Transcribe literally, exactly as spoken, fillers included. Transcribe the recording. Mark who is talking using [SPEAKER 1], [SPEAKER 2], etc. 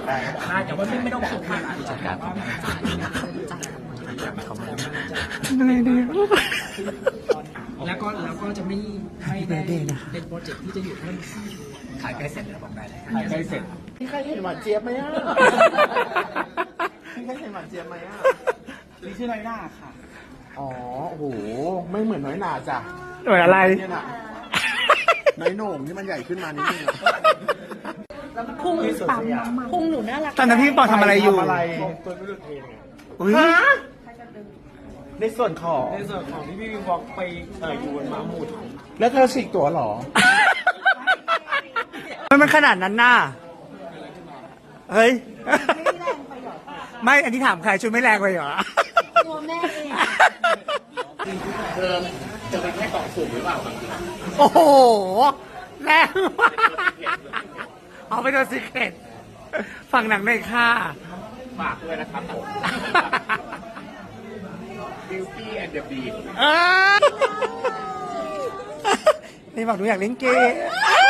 [SPEAKER 1] ได้แต่ว่าไม่ไม่ต้องสุกมาก
[SPEAKER 2] จัดการของ
[SPEAKER 3] เหนื่อยดี
[SPEAKER 1] แล้วก็แล้วก็จะไม่ไม่ได้เป็นโปรเจกต์ที่จะอยู่เพิ่ม
[SPEAKER 2] ขายใกล้เสร็จแล้วบอกได้เลย
[SPEAKER 3] ถ่ายใกล้เสร็จ
[SPEAKER 4] พี่ใครเห็นหวานเจี๊ยบไหมอ่ะพี่ใครเห็นหวานเจี๊ยบไหมอ่ะ
[SPEAKER 3] นี่ชื่อน้อยหน้าค่ะ
[SPEAKER 4] อ๋อโอ้โหไม่เหมือนน้อยหนาจ้ะ
[SPEAKER 3] เหมือนอะไร
[SPEAKER 4] เนี่ยน่ะน้อยโหน่งที่มันใหญ่ขึ้นมานิดนึง
[SPEAKER 5] พุงปั๊มพุงหนูน่ารัก
[SPEAKER 3] ตอนนั้นพี่ปอทำอะไรอยู่
[SPEAKER 4] ทำอะไร
[SPEAKER 3] อุ้ย
[SPEAKER 4] ในส่วนของ
[SPEAKER 1] ในส่วนของที่พี่วิวบอกไปเอ่ออยู่บนม้าหมุด
[SPEAKER 4] แล้วเธอฉีกตัวเหรอ
[SPEAKER 3] มันมันขนาดนั้นน่ะเฮ้ย ไม่ อันนี้ถามใครชุดไม่แรงไปเหรอ
[SPEAKER 5] ตัวแม่เอง
[SPEAKER 4] เธอจะเป็นแค่กล่องสุ่มหรือเปล่า
[SPEAKER 3] โอ้โห แรงมากเอาไปตัวซีเครตฝั่งหนังในค่า
[SPEAKER 4] ฝากด้วยนะครับผม Beauty and the Beast
[SPEAKER 3] เอ้ยนี่บอกหนูอยากเล่นเกม